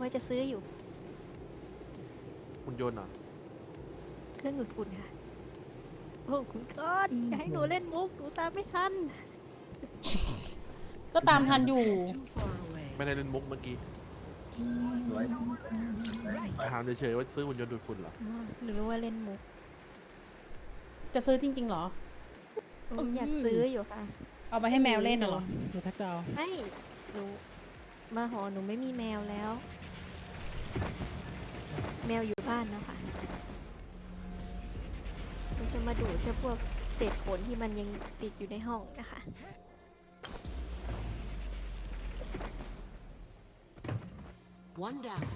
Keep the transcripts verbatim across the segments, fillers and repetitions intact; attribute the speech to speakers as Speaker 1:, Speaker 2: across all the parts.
Speaker 1: ว่าจะซื้ออยู่
Speaker 2: หุ่นยนต์เหรอ
Speaker 1: เครื่องดูดฝุ่นค่ะโอ้คุณก้อนจะให้หนูเล่นมุกหนูตามไม่ทัน
Speaker 3: ก็ตามทันอยู่
Speaker 2: ไม่ได้เล่นมุกเมื่อกี้
Speaker 4: สวย
Speaker 2: ถามเฉยๆว่าซื้อหุ่นยนต์ดูดฝุ่นเหรอ
Speaker 1: อ๋อหนูรู้ว่าเล่นมุก
Speaker 3: จะซื้อจริงๆเหรอ
Speaker 1: ผมอยากซื้ออยู่ค่ะ
Speaker 3: เอาไปให้แมวเล่นน่ะเหรอ
Speaker 5: ดูทักดาว
Speaker 1: ไม่หนูมาหอหนูไม่มีแมวแล้ว แมวอยู่บ้านนะคะมันจะมาดูดแค่พวกเศษขนที่มันยังติดอยู่ในห้องนะคะ
Speaker 6: One down.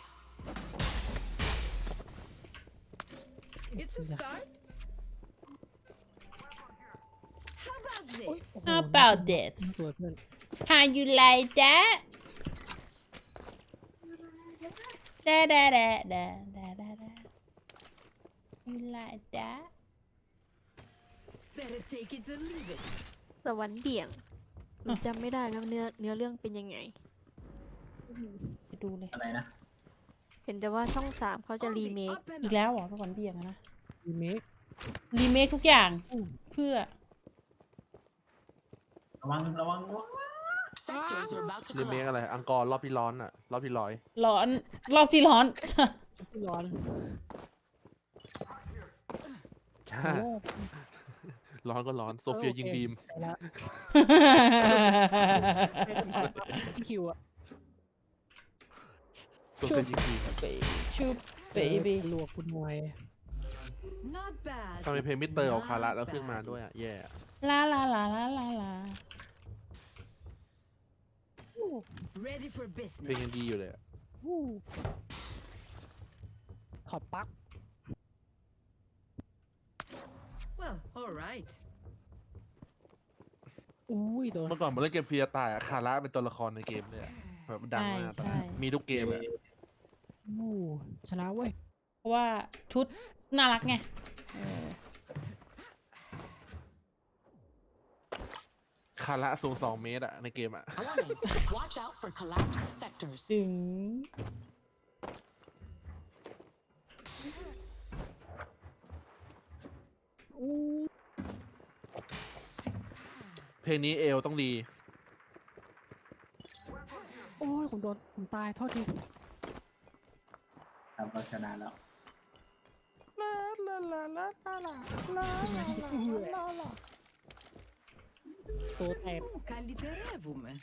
Speaker 6: It's a start. How about this?
Speaker 3: How about this
Speaker 5: สวยเพื่อน
Speaker 3: How you like that da da da da da da da You like that
Speaker 6: Better take it or leave it.
Speaker 1: สวรรค์เบี่ยงหนูจำไม่ได้แล้วเนื้อเนื้อเรื่องเป็นยังไง
Speaker 3: ไปดูเลย
Speaker 4: อะไรนะ
Speaker 1: เห็นแต่ว่าช่องสามเขาจะ
Speaker 6: On
Speaker 1: รี
Speaker 6: the
Speaker 1: เมค
Speaker 6: up and
Speaker 3: อีก
Speaker 6: up.
Speaker 3: แล้วเหรอสวรรค์เบี่ยงอะนะ
Speaker 5: รีเมค
Speaker 3: รีเมคทุกอย่างเพื่อ
Speaker 4: ระวังระวังระวัง
Speaker 6: Sectors are about to
Speaker 2: รีเมค
Speaker 6: collapse.
Speaker 2: อะไร อังกอร์รอบที่ร้อนอ่ะ รอบที่ร้อย
Speaker 3: ร้อนรอบที่ร้อน
Speaker 5: ที่ร้อน
Speaker 2: ใช่ ร้อนก็ร้อน โซเฟียยิงบีม
Speaker 5: ไปละพี่คิวอะ
Speaker 2: โซเฟียยิงบีม
Speaker 3: ชุบเบบี้
Speaker 5: ลวกคุณมวย
Speaker 6: Not bad.
Speaker 2: ทำไมเพลงมิสเตอร์ของคาระแล้วขึ้นมาด้วยอ่ะ แย่อะ
Speaker 3: ลาลาลาลาลาลา
Speaker 6: Ready for
Speaker 2: เพลง
Speaker 6: business.
Speaker 2: ยังดีอยู่เลยอะ
Speaker 5: วู้ถอดปลั๊ก
Speaker 6: Well, all right.
Speaker 5: อุ้ยโดน
Speaker 2: เมื่อก่อนผมเล่นเกมฟรีตายอ่ะ คาระเป็นตัวละครในเกมเลยอะแบบดังมากตอนนั้น
Speaker 3: ใช่ใช่
Speaker 2: มีทุกเกมเลย
Speaker 5: วู้ชนะเว้ย
Speaker 3: เพราะว่าชุดน่ารักไงเออ
Speaker 2: คาระสูงสองเมตรอะในเกมอะ
Speaker 7: Warning. Watch out for collapsed sectors.
Speaker 3: ถึง
Speaker 5: อู้
Speaker 2: เพลงนี้เอลต้องดี
Speaker 5: โอ้ยผมโดนผมตายโทษที
Speaker 4: ทำเราชนะแล้ว
Speaker 5: ตัวแตก
Speaker 6: Caliterevum.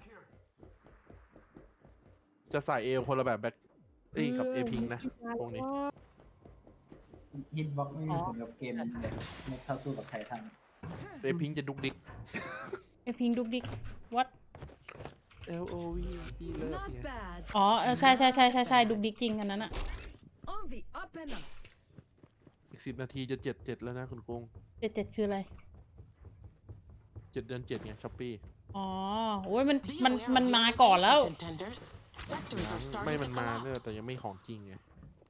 Speaker 2: จะใส่เอลคนละแบบแบ็คเอ้ยกับเอพิงนะวงนี้
Speaker 4: ฮิตบ็อกไม่มีผลกับเกมแบบไม่เท่าสู้กับไททัน
Speaker 2: เอพิงจะดุกดิก
Speaker 3: ไอพิงดุกดิกวัด
Speaker 2: L O V E เลิฟ
Speaker 6: Not
Speaker 2: เนี่ย
Speaker 6: bad.
Speaker 3: อ๋อเออใช่ใช่ใช่ใช่ใช่ดุกดิกจริงอันนั้นอะ
Speaker 6: On the up and up.
Speaker 2: อีกสิบนาทีจะเจ็ดเจ็ดแล้วนะคุณกุ้ง
Speaker 3: เจ็ดเจ็ดคืออะไร
Speaker 2: เจ็ดเดือนเจ็ดไงช้อปปี้
Speaker 3: อ๋อโอ้ยมัน
Speaker 7: Be
Speaker 3: มัน
Speaker 7: aware
Speaker 3: มัน
Speaker 7: of
Speaker 3: มา
Speaker 7: your
Speaker 3: ก่อนแล้ว
Speaker 7: location, contenders. Sectors are
Speaker 2: ไม่
Speaker 7: starting
Speaker 2: มัน
Speaker 7: to
Speaker 2: มาเนอะแต่
Speaker 7: collapse.
Speaker 2: ยังไม่ของจริงไง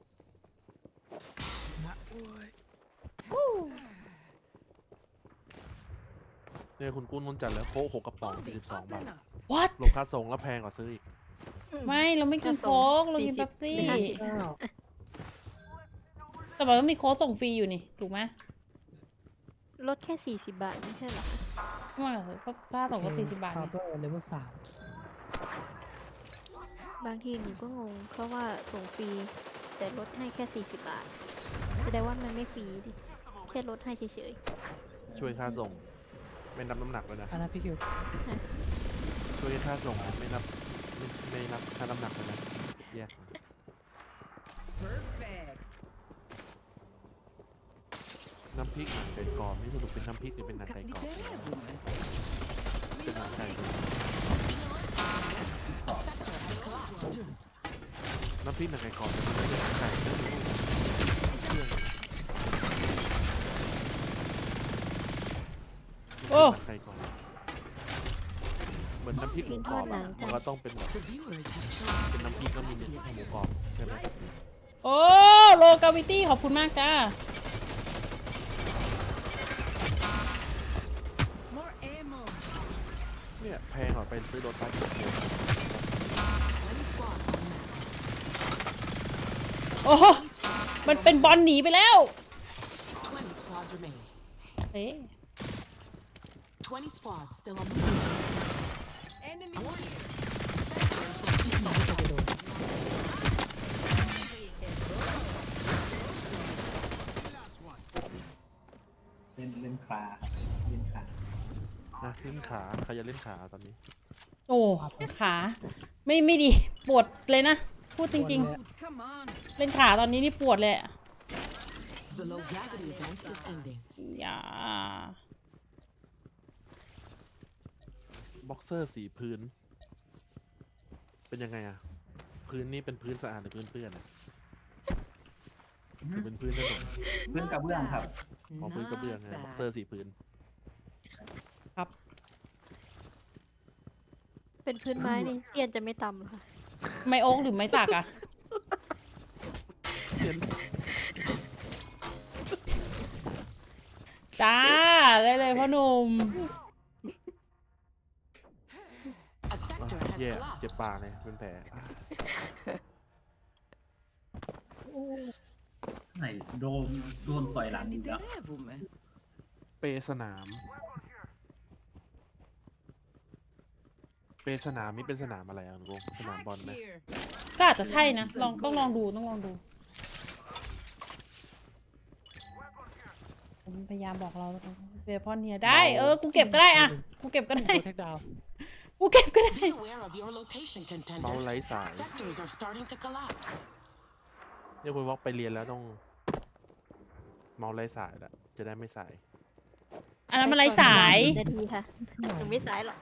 Speaker 2: เนี่ยคุณกุ้งต้องจัดแล้วโค้กหกกระป๋อง
Speaker 6: On
Speaker 2: สี่
Speaker 6: the
Speaker 2: สิบสอง
Speaker 6: up
Speaker 2: บาท
Speaker 6: and up.
Speaker 3: what
Speaker 2: รวมค่าส่งแล้วแพงกว่าซื้ออีก
Speaker 3: ไม่เราไม่กิน
Speaker 1: จะส่ง
Speaker 3: โค้กเรากิน
Speaker 1: สี่สิบ
Speaker 3: เป๊ปซี่
Speaker 1: หรือห้าสิบ
Speaker 5: อ้าว
Speaker 3: แต่บอกว่ามีโค้กส่งฟรีอยู่นี่ถูกไหม
Speaker 1: ลดแค่สี่สิบบาทไม่ใช่เหรอคะ
Speaker 3: ไม่ว่าเลยก็ค่าส่งก็สี่สิบบาท
Speaker 5: คา
Speaker 3: นี่
Speaker 5: ร์เบอร์เลเวลสาม
Speaker 1: บางทีหนูก็งงเพราะว่าส่งฟรีแต่ลดให้แค่สี่สิบบาทแสดงว่ามันไม่ฟรีดิแค่ลดให้เฉย
Speaker 2: ช่วยค่าส่ง ไม่นับน้ำหนักเลยนะ
Speaker 5: อันนั้นพี่คิว
Speaker 2: ช่วยค่าส่งนะไม่นับไม่ไม่นับค่าน้ำหนักเลยนะแยก
Speaker 6: Perfect.
Speaker 2: น้ำพริกหนังไก่กรอบนี่สรุปเป็นน้ำพริกหรือเป็นหนังไก่กรอบ
Speaker 6: Caliterevum.
Speaker 2: เป็นหนังไก่กรอบ
Speaker 7: A sector has collapsed.
Speaker 2: น้ำพริกหนังไก่กรอบแต่มันไม่ใช่หนังไก่ไม่รู้เครื่อง
Speaker 3: โอ้
Speaker 2: หนังไก่กรอบเหมือนน้ำพริกหมูกรอบอะมันก็ต้องเป็นแบบ
Speaker 7: The viewers have chosen
Speaker 2: เป็นน้ำพริกก็มีหมูกรอบใช่ไหม
Speaker 3: โอ้โลกาวิตี้ขอบคุณมากจ้า
Speaker 6: More ammo.
Speaker 2: เนี่ยแพงกว่าไปซื้อโดตัส
Speaker 7: one squad on map.
Speaker 3: โอ้โหมันเป็นบอลหนีไปแล้ว
Speaker 7: twenty squads remain.
Speaker 3: เอ๊ะ
Speaker 7: twenty squads still on the field.
Speaker 6: Enemy
Speaker 7: Warning. Sectors will be lost.
Speaker 4: เล่นเล่นคลาครับเล่นคลา
Speaker 2: อ่ะเล่นขาใครจะเล่นขาตอนนี้
Speaker 3: โอ้ขาไม่ไม่ดีปวดเลยนะ พูดจริง
Speaker 6: Come on.
Speaker 3: ๆ เล่นขาตอนนี้นี่ปวดเลยอะ
Speaker 7: The low gravity event is ending.
Speaker 3: อย่า
Speaker 2: บ็อกเซอร์สีพื้น เป็นยังไงอะพื้นนี่เป็นพื้นสะอาดหรือพื้นเปื้อนอะหรือเป็นพื้นถนน
Speaker 4: เพื่อนกระเบื้องครับ
Speaker 2: ของพื้นกระเบื้องไง
Speaker 6: Not
Speaker 2: บ็อก
Speaker 6: bad.
Speaker 2: เซอร์สีพื้น
Speaker 3: ครับ
Speaker 1: เป็นพื้นไม้นี่เตียนจะไม่ต่ำหรอคะ
Speaker 3: ไม่โอ๊กหรือไม่สักอะจ้าได้เลยพ่อหนุ่ม
Speaker 7: A sector has
Speaker 2: แย่เจ็บ
Speaker 7: collapsed.
Speaker 2: ปากเลยเป็นแผล
Speaker 4: ไหนโดนโดนต่อยหลังอีกแล้ว
Speaker 6: Candiderevume.
Speaker 2: เปสนาม เปสนามนี่เป็นสนามอะไรอ่ะลุงสนามบอล
Speaker 6: Hack
Speaker 2: ไหม
Speaker 6: here.
Speaker 3: ก็อาจจะใช่นะลองต้องลองดูต้องลองดูผมพยายามบอกเราเวพอนเนี่ยได้เออกูเก็บก็ได้อะกูเก็บก็ได้
Speaker 5: โปรเทคดาว
Speaker 3: กูเก็บก็ได้
Speaker 7: Be aware of your location,
Speaker 2: เมาส์
Speaker 7: contenders.
Speaker 2: ไร้สาย
Speaker 7: Sectors are starting to collapse.
Speaker 2: เนี่ยคุณวอกไปเรียนแล้วต้อง เมาส์ไร้สายละจะได้ไม่สาย
Speaker 3: อันนั้นมันไร้สาย
Speaker 1: นาทีค่ะหนูไม่สายหรอก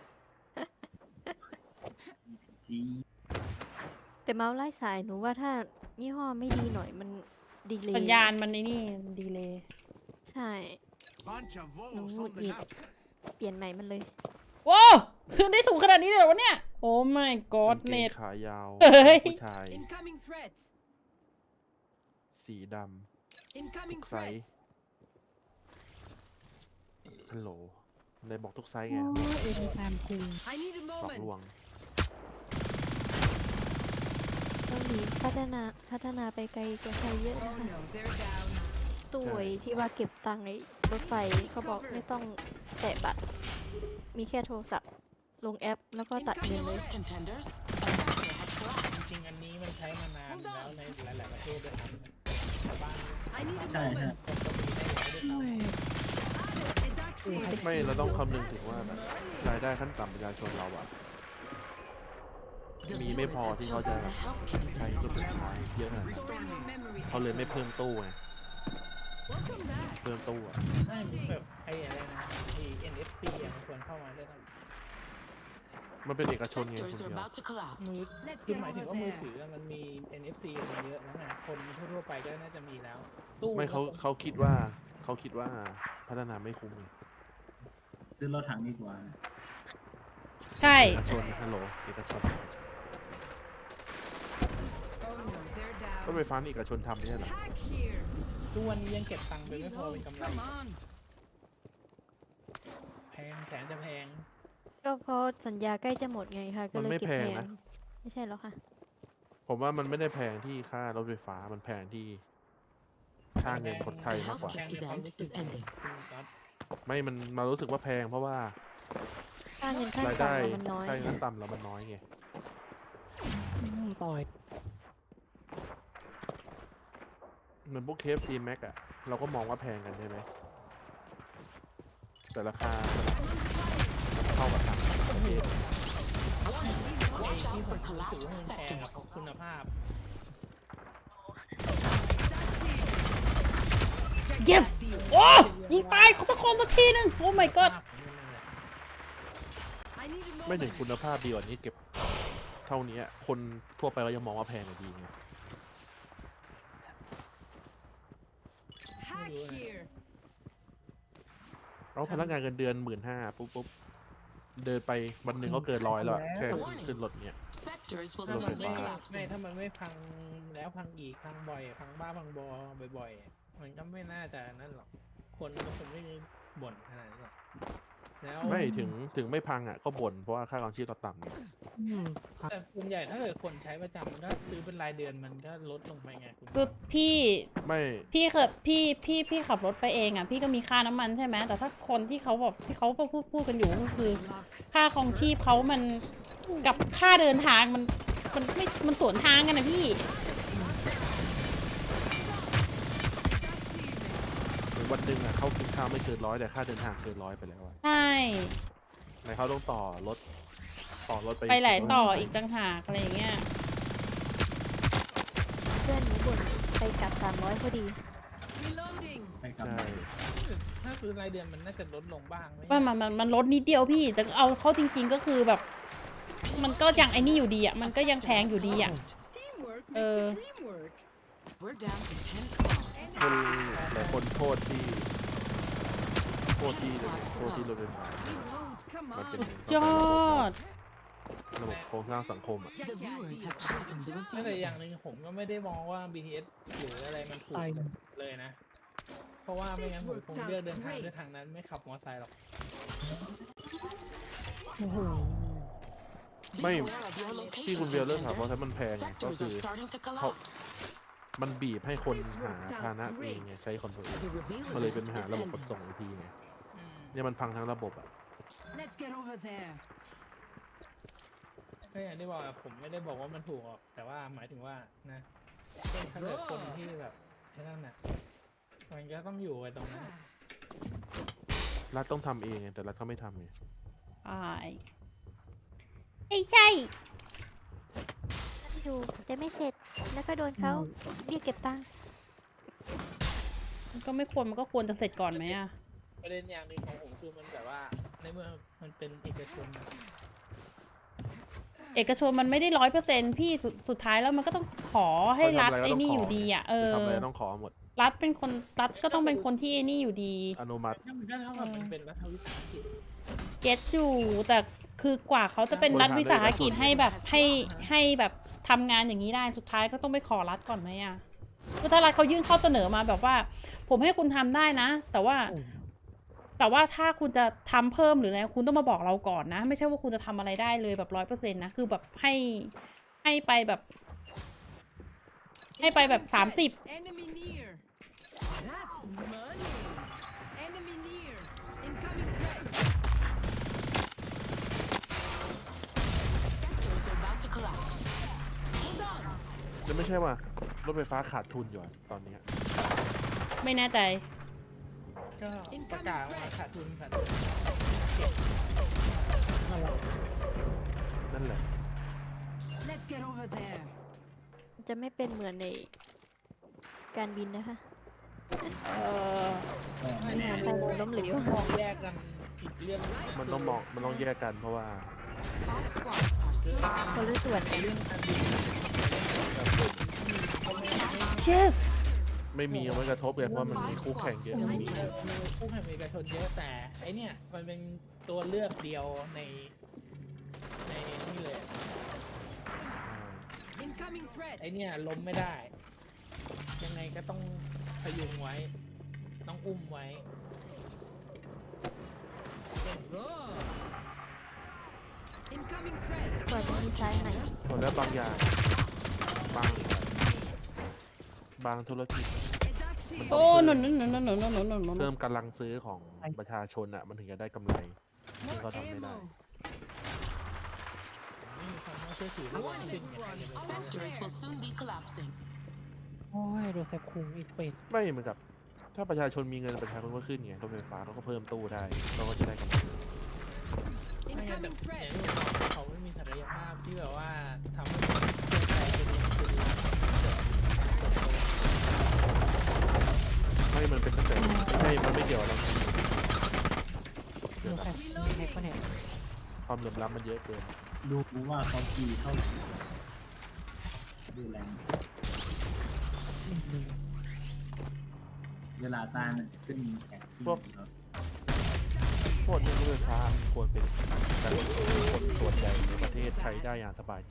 Speaker 4: จี
Speaker 1: แต่เมาส์ไล่สายหนูว่าถ้ายี่ห้อไม่ดีหน่อยมันดีเลย
Speaker 3: สัญญาณมันไอ้นี่ดีเลย
Speaker 1: ใช่ หนูหงุดหงิดเปลี่ยนใหม่มันเลย
Speaker 3: ว้าวขึ้นได้สูงขนาดนี้เลยเหรอวะเนี่ย โอ้ my
Speaker 2: กา
Speaker 3: god
Speaker 2: งเก
Speaker 3: เน็
Speaker 2: ง
Speaker 3: ต
Speaker 2: ขายาว
Speaker 3: เฮ้ย
Speaker 2: ผู้ชาย
Speaker 6: Incoming threats.
Speaker 2: สีด
Speaker 6: Incoming
Speaker 2: Looks like-
Speaker 6: threats.
Speaker 2: ำฮัลโหลในบอกทุกไซส์ไง
Speaker 5: เอ็มแซมคู
Speaker 6: I need a
Speaker 2: สอง
Speaker 6: moment.
Speaker 2: ลวง
Speaker 1: ต้องมีพัฒนาพัฒนาไปไกลกว่าใครเยอะ
Speaker 6: Oh
Speaker 1: นะคะ
Speaker 6: no, they're down.
Speaker 1: ตู้ไอ้ที่ว่าเก็บตังค์ในรถไฟเขาบอกไม่ต้องแตะบัตร มีแค่โทรศัพท์ ลงแอปแล้วก็ตัด
Speaker 7: Be
Speaker 1: เงินเลย
Speaker 7: alert, contenders. A sector has collapsed.
Speaker 5: จริงอันนี้มันใช้มานานแล้วในหลาย ๆ ประเทศด้วยครับชาวบ้าน
Speaker 6: I need a
Speaker 4: ใช่ฮะ
Speaker 6: moment.
Speaker 5: ก็มีได้ใช้ด้วยซ้
Speaker 6: A duck seed.
Speaker 2: ไม่เราต้องคำนึงถึงว่าแบบรายได้ขั้นต่ำประชาชนเราอะ
Speaker 7: The
Speaker 2: มีไม่
Speaker 7: viewers
Speaker 2: พอ
Speaker 7: have
Speaker 2: ที่เขาจะ
Speaker 7: chosen the health kit
Speaker 2: ใช้ตัวสุดท้ายเยอะขนาดนั้น
Speaker 6: Restoring your memory.
Speaker 2: เขาเลยไม่เพิ่มตู้ไง
Speaker 6: Welcome back.
Speaker 2: เพิ่มตู้อะ
Speaker 5: ไม่แบบไอ้อะไรนะที่ เอ็น เอฟ ซี อ่ะมันควรเข้ามาด้วยนะ
Speaker 2: มันเป็นเอกชนไง
Speaker 7: Sectors
Speaker 2: คุณ
Speaker 7: are
Speaker 2: เดียว
Speaker 7: about to collapse.
Speaker 5: มือ
Speaker 6: Let's
Speaker 5: คือ
Speaker 6: get
Speaker 5: หมายถึง
Speaker 6: over
Speaker 5: ว่ามือ
Speaker 6: there.
Speaker 5: ถืออะมันมี เอ็น เอฟ ซี มาเยอะแล้วไงคนทั่วๆไปก็น่าจะมีแล้ว ตู้
Speaker 2: ไม่เขา
Speaker 5: ก็
Speaker 2: เขาคิดว่าเขาคิดว่าพัฒนาไม่คุ้มไง
Speaker 4: ซื้อรถถังดีกว่า
Speaker 3: ใช่
Speaker 2: เอกชนฮัลโหลเอกชน
Speaker 6: Oh no, they're
Speaker 2: รถ
Speaker 6: down.
Speaker 2: ไฟฟ้านี่เอกชนทำไม่ใช่เหรอ
Speaker 6: Hack here.
Speaker 5: ตู้วันนี้ยังเก็บตังค์ไปไม่พอเป็น
Speaker 6: Reload.
Speaker 5: กำไร
Speaker 6: Come on.
Speaker 5: แพงแสนจะแพง
Speaker 1: ก็เพราะสัญญาใกล้จะหมดไงคะก็
Speaker 2: มัน
Speaker 1: เลย
Speaker 2: ไม่
Speaker 1: เก็บ
Speaker 2: แพ
Speaker 1: แพ
Speaker 2: ง
Speaker 1: ง
Speaker 2: นะ
Speaker 1: ไม่ใช่หรอคะ
Speaker 2: ผมว่ามันไม่ได้แพงที่ค่ารถไฟฟ้ามันแพงที่ค่าเงินคนไทยมากกว่า
Speaker 5: แพงในความรู้สึก
Speaker 7: Event is ending
Speaker 5: คุณก๊อต
Speaker 2: ไม่มันมารู้สึกว่าแพงเพราะว่า
Speaker 1: ค่าเงินขั้น
Speaker 2: ราย
Speaker 1: ต่ำ
Speaker 2: ได้
Speaker 1: อะมันน้อย
Speaker 2: ใช่ขั้นต่ำแล้วมันน้อยไง
Speaker 5: อืมต่อย
Speaker 2: เหมือนพวกเคฟซีแม็กอะเราก็มองว่าแพงกันใช่ไหมแต่ราคามันเท่ากับทางประเทศ
Speaker 7: Watch
Speaker 5: ที่
Speaker 7: out
Speaker 5: ผม
Speaker 7: for
Speaker 5: รู้สึก
Speaker 7: collapsed
Speaker 5: ว่ามันแพงกับ
Speaker 7: sectors.
Speaker 5: คุณภาพ
Speaker 3: yes โอ้ยิงตายเขาสักคนสักทีหนึงโอ้ my god
Speaker 5: ภาพของมันเลย
Speaker 6: I need a
Speaker 2: ไม่ถึง
Speaker 6: moment.
Speaker 2: คุณภาพดีกว่านี้เก็บเท่านี้คนทั่วไปก็ยังมองว่าแพงอยู่ดีไง
Speaker 6: Hack here.
Speaker 2: เอาพนักงานเงินเดือนหมื่นห้าปุ๊บปุ๊บเดินไปวันหนึ่งก็เกินร้อยแล้วอะแค่ขึ้นขึ้นรถเนี้ย
Speaker 7: Sectors will
Speaker 2: รถ
Speaker 7: soon
Speaker 2: ไฟ
Speaker 7: be
Speaker 2: ฟ้า
Speaker 5: ไม่
Speaker 7: collapsing.
Speaker 5: ถ้ามันไม่พังแล้วพังอีกพังบ่อย พังบ้าพังบอบ่อยๆ มันก็ไม่น่าจะนั่นหรอก คนก็คงไม่บ่นขนาดนี้หรอกแล้ว
Speaker 2: ไม่ถึงถึงไม่พังอ่ะก็บ่นเพราะว่าค่าครองชีพเราต่ำไง
Speaker 5: แต่ส่วนใหญ่ถ้าเกิดคนใช้ประจำมันก็ซื้อเป็นรายเดือนมันก็ลดลงไปไงคุณ
Speaker 3: คือพี่
Speaker 2: ไม่
Speaker 3: พี่เคยพี่พี่พี่ขับรถไปเองอ่ะพี่ก็มีค่าน้ำมันใช่ไหมแต่ถ้าคนที่เขาแบบที่เขาพูดพูดกันอยู่ก็คือ ค่าครองชีพเขามันกับค่าเดินทางมันมันไม่มันสวนทางกันนะพี่
Speaker 2: ถึงวันหนึ่งอ่ะเขากินข้าวไม่เกินร้อยแต่ค่าเดินทางเกินร้อยไปแล้วอะ
Speaker 3: ใช่
Speaker 2: ไหนเขาต้องต่อรถต่อรถไป
Speaker 3: ไปหลายต่ออีกต่างหากอะไรอย่างเงี้ย
Speaker 1: เพื่อนหนูบ่นไปกลับสามร้อยพอดี
Speaker 6: Reloading.
Speaker 4: ไปกลับ
Speaker 2: ใช่
Speaker 5: ถ้าซื้อรายเดือนมันน่าจะลดลงบ้างไหม
Speaker 3: ว่ามันมันมันลดนิดเดียวพี่ แต่เอาเข้าจริง ๆก็คือแบบ มันก็ยังไอ้นี่อยู่ดีอ่ะมันก็ยังแพงอยู่ดีอ่ะ
Speaker 6: Teamwork makes
Speaker 3: Uh.
Speaker 6: the dream work.
Speaker 7: We're down to ten squads.
Speaker 2: คนหลายคนโทษที่โทษที่โทษที่รถไฟฟ้า
Speaker 6: Reload. Come
Speaker 2: มันเป็น
Speaker 6: on.
Speaker 3: ยอด
Speaker 2: ระบบโครงสร้างสังคมอ่ะ
Speaker 7: The viewers have chosen the
Speaker 5: แต่
Speaker 7: reveal.
Speaker 5: อย่างหนึ่งผมก็ไม่ได้มองว่า บี ที เอส หรืออะไรมันถูกเลยนะ เพราะว่าไม่งั้นผมคงเลือกเดินทางด้วยทางนั้นไม่ขับมอเตอร์ไซค์หรอก
Speaker 2: ไม่
Speaker 7: Beware of your
Speaker 2: ที่คุณ
Speaker 7: location,
Speaker 2: เบลเริ่มถามว่า
Speaker 7: contenders.
Speaker 2: ถ้ามันแพงไงก็
Speaker 7: Sectors
Speaker 2: คื
Speaker 7: are
Speaker 2: อ
Speaker 7: starting to collapse.
Speaker 2: มันบีบให้คนหาพาหนะเองไงใช้คอนโทรล
Speaker 7: The reveal
Speaker 2: มันเลยเป็น
Speaker 7: event
Speaker 2: ปัญหา
Speaker 7: is
Speaker 2: ระบบขน
Speaker 7: ending.
Speaker 2: ส่งอีกทีไง
Speaker 5: อืม
Speaker 2: เนี่ยมันพังทั้งระบบอ่ะ
Speaker 6: Let's get over there.
Speaker 5: ก็อย่างที่บอกอะผมไม่ได้บอกว่ามันถูกหรอกแต่ว่าหมายถึงว่านะเช่นถ้าเกิดคนที่แบบแค่นั้นน่ะมันก็ต้องอยู่ไว้ตรงนั้น
Speaker 2: รัฐต้องทำเองไงแต่รัฐเขาไม่ทำไง
Speaker 3: ใช่ไม่ใช่
Speaker 1: อยู่แต่ไม่เสร็จ แล้วก็โดนเขาเรียกเก็บตังค์
Speaker 3: มันก็ไม่ควรมันก็ควรจะเสร็จก่อนไหมอ่ะ
Speaker 5: ประเด็นอย่างหนึ่งของผมคือมันแบบว่าในเมื่อมันเป็นเอกชนอะ
Speaker 3: เอกชนมันไม่ได้ร้อยเปอร์เซ็นพี่สุดสุดท้ายแล้วมันก็ต้องขอให้รัฐไอ้นี่อยู่ดีอ่ะเออ
Speaker 2: จะทำอะไรต้องขอหมด
Speaker 3: รัฐเป็นคนรัฐก็ต้องเป็นคนที่ไอ้นี่อยู่ดี
Speaker 2: อนุมัติ
Speaker 5: นั่นมันก็เท่ากับมันเป็นรัฐวิสาหกิจ
Speaker 3: เก็ตอยู่แต่คือกว่าเขาจะเป็นรัฐวิสาหกิจให้แบบให้ให้แบบทำงานอย่างนี้ได้สุดท้ายก็ต้องไปขอรัฐก่อนไหมอ่ะคือถ้ารัฐเขายื่นข้อเสนอมาแบบว่า ผมให้คุณทำได้นะ แต่ว่า แต่ว่าถ้าคุณจะทำเพิ่มหรืออะไรคุณต้องมาบอกเราก่อนนะ ไม่ใช่ว่าคุณจะทำอะไรได้เลยแบบร้อยเปอร์เซ็นต์นะคือแบบให้ให้ไปแบบ ให้ไปแบบสามสิบ
Speaker 6: Enemy near. That's money. Enemy near. Incoming threat.
Speaker 7: Sectors are about to collapse. Hold on.
Speaker 2: จะไม่ใช่ว่ารถไฟฟ้าขาดทุนอยู่อะตอนเนี้ย
Speaker 3: ไม่แน่ใจ
Speaker 5: ก็ประกาศว่าขาดทุนขาด
Speaker 2: นั่นแหละ
Speaker 6: Let's get over there.
Speaker 1: จะไม่เป็นเหมือนในการบินนะคะ
Speaker 3: เออ
Speaker 4: ไม่
Speaker 1: งานไปล้มเหลว
Speaker 5: มองแยกกันอีกเรื่องหนึ่ง
Speaker 2: มันต้องมองมันต้องแยกกันเพราะว่า
Speaker 7: Five squads are still
Speaker 1: คนละส่วน
Speaker 5: เรื่องการบิน
Speaker 3: yes
Speaker 2: ไม่มีเอาไว้กระทบเลยเพราะมันมีคู่แข่งเยอะ
Speaker 5: มีคู่แข่งเอกชนเยอะแต่ไอเนี่ยมันเป็นตัวเลือกเดียวในในนี่เลย
Speaker 6: Incoming threat.
Speaker 5: ไอเนี่ยล้มไม่ได้ ยังไงก็ต้องพยุงไว้ ต้องอุ้มไว้
Speaker 6: Whoa. Incoming threat.
Speaker 1: กว่าจะมีซ้ายไหน
Speaker 2: ผลแล้วบางอย่างบางบางธุรกิจ
Speaker 6: Edaxi.
Speaker 3: โอ้หนุนหนุนหนุนหนุนหนุนหนุนหนุนหนุน
Speaker 2: เพิ่มกำลังซื้อของประชาชนอ่ะ มันถึงจะได้กำไรซึ่งเขาทำไม่ได้
Speaker 5: ไม่มีความน่าเชื่อถือเลยว่าขึ้นยังไงจะไป
Speaker 7: sectors will soon be collapsing.
Speaker 5: โอ้ยโดนแซบคุงอีกเป็ด
Speaker 2: ไม่เหมือนกับ ถ้าประชาชนมีเงินประชาชนก็ขึ้นไงรถไฟฟ้าเขาก็เพิ่มตู้ได้เขาก็จะได้กำไร
Speaker 5: ไม่งั้นแต่
Speaker 6: Incoming
Speaker 5: อ
Speaker 6: threat.
Speaker 5: ย่างที่ผมบอกเขาไม่มีศักยภาพที่แบบว่าทำให้คนเชื่อใจเป็นอย่างเป็นหลัก
Speaker 2: ไม่มันเป็นตั้งแต่ไม่ใช่มันไม่เกี่ยวอะไรความเหลื่อมล้ำมันเยอะเกิน
Speaker 4: ดูว่าเขาจีเท่าไหร่ดูแรงเวลาตาลขึ้นแข่งที่ครับ
Speaker 2: พวกนี้รถไฟฟ้าควรเป็นการขนส่งที่คนส่วนใหญ่ในประเทศใช้ได้อย่างสบายใจ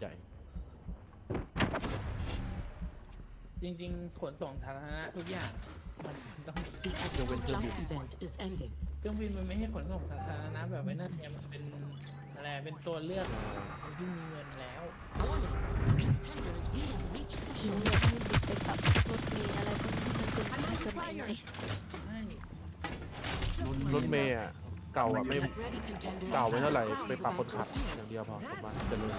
Speaker 5: จริงๆ ขนส่งสาธารณะทุกอย่าง มันต้อง
Speaker 7: The actual jump event is ending.
Speaker 5: เครื่องบินมันไม่ให้ขนส่งสาธารณะแบบไม่นั่นเนี่ยมันเป็นอะไรเป็นตัวเลือกคนที่มีเงินแล้ว
Speaker 7: Warning. Contenders, we have reached the
Speaker 1: หนู
Speaker 7: show.
Speaker 1: อยากให้บิดไปขับรถเมล์อะไรพวกนี้มันเป็นทางสมัยใหม่
Speaker 5: ใช่
Speaker 2: รถเมย์อ่ะเก่าอ่ะไม่
Speaker 7: Get ready, contenders.
Speaker 2: เก่าไว้เท่าไหร่
Speaker 7: The crown
Speaker 2: ไป
Speaker 7: is
Speaker 2: ปรับคน
Speaker 7: about
Speaker 2: ขับ
Speaker 7: to appear.
Speaker 2: อย่างเดียวพอผมว่าจะเลย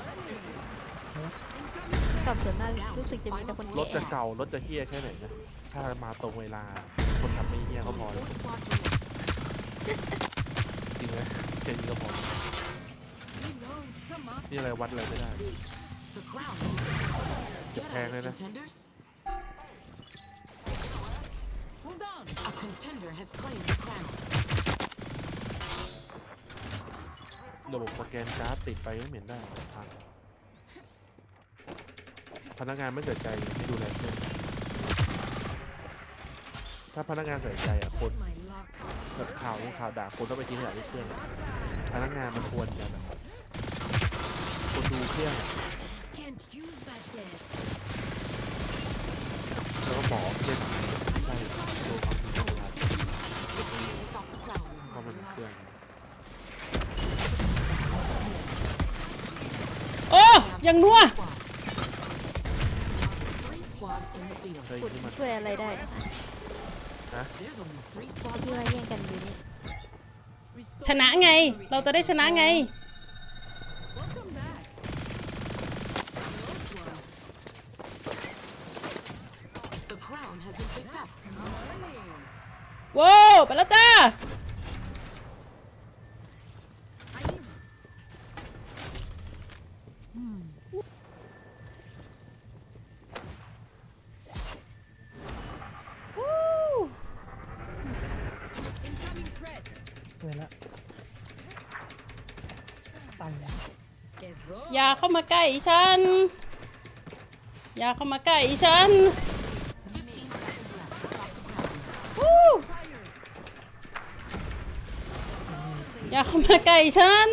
Speaker 1: ขับส่วนหน้ารู้สึกจะมีแต่คน
Speaker 2: รถจะ
Speaker 1: แก่
Speaker 2: เก่ารถจะเฮี้ยแค่ไหนนะถ้ามาตรงเวลาคนขับไม่เฮี้ยก็พอ
Speaker 7: Only
Speaker 2: แล้ว
Speaker 7: four squads remain.
Speaker 2: จริงไหมแค่นี้ก็พอ
Speaker 6: Come on.
Speaker 2: นี่อะไรวัดอะไรไม่ได้
Speaker 7: The crown.
Speaker 2: Get
Speaker 7: Get
Speaker 2: back
Speaker 7: on it,
Speaker 2: in there.
Speaker 7: contenders.
Speaker 6: Hold on.
Speaker 7: A contender has claimed the crown.
Speaker 2: ระบบสแกนการ์ดติดไปไม่เหม็นได้พังพนักงานไม่ใส่ใจไม่ดูแลเพื่อนถ้าพนักงานใส่ใจอ่ะคน
Speaker 6: My lock.
Speaker 2: แบบข่าวข่าวด่าคนต้องไปทิ้งขยะที่เครื่องอะพนักงานมันควรจะแบบคนดูเครื่องอะ
Speaker 6: Can't use that then.
Speaker 2: แล้วก็บอกเล่นใช่ดูความจริงเวลา
Speaker 7: Stop the crown.
Speaker 2: เพราะมันเป็นเครื่อง
Speaker 3: โอ้ยังนัว
Speaker 7: Three squads in the field.
Speaker 2: เฮ้ย
Speaker 1: ขุด
Speaker 2: นี่มัน
Speaker 1: ช่วยอะไรได้
Speaker 7: There's only three
Speaker 1: ไอ้
Speaker 7: squads
Speaker 1: ที่ว่า
Speaker 7: left.
Speaker 1: แย่งกันอยู่นี่
Speaker 6: Restore
Speaker 3: ชนะไง เราจะได้ชนะไง
Speaker 6: Welcome back. Close one.
Speaker 7: The crown has been picked up.
Speaker 6: Morning.
Speaker 3: โว้วไปแล้วจ้า
Speaker 6: Incoming threat.
Speaker 5: เกินละตัน
Speaker 6: Get roll.
Speaker 3: อย่าเข้ามาใกล้ฉัน อย่าเข้ามาใกล้ฉัน
Speaker 7: Fifteen seconds left to stop the crown.
Speaker 3: วู้อย่าเข้ามาใกล้ฉัน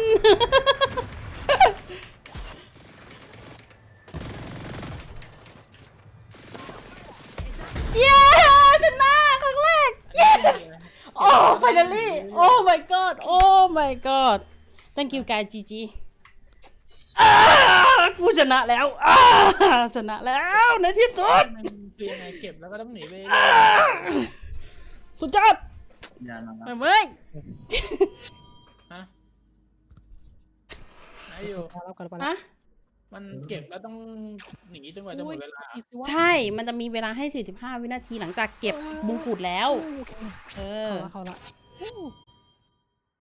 Speaker 3: เย้ชนะครั้งแรก เย้โอ้ finally โอ้ my god โอ้ my god thank you guys จีจีอ่ากูชนะแล้วอ่าชนะแล้วในที่สุด
Speaker 5: มันคือยังไงเก็บแล้วก็ต้องหนีไป
Speaker 3: อ่าสุดยอด
Speaker 4: อย่ามา
Speaker 3: ไปเว้ย
Speaker 5: ฮะไหนอยู่
Speaker 3: ฮะ
Speaker 5: มันเก็บแล้วต้องหนีจนกว่าจะหมดเวลา
Speaker 3: ใช่ มันจะมีเวลาให้ สี่สิบห้า วินาทีหลังจากเก็บมงกุฎแล้ว เออ
Speaker 8: เขาละ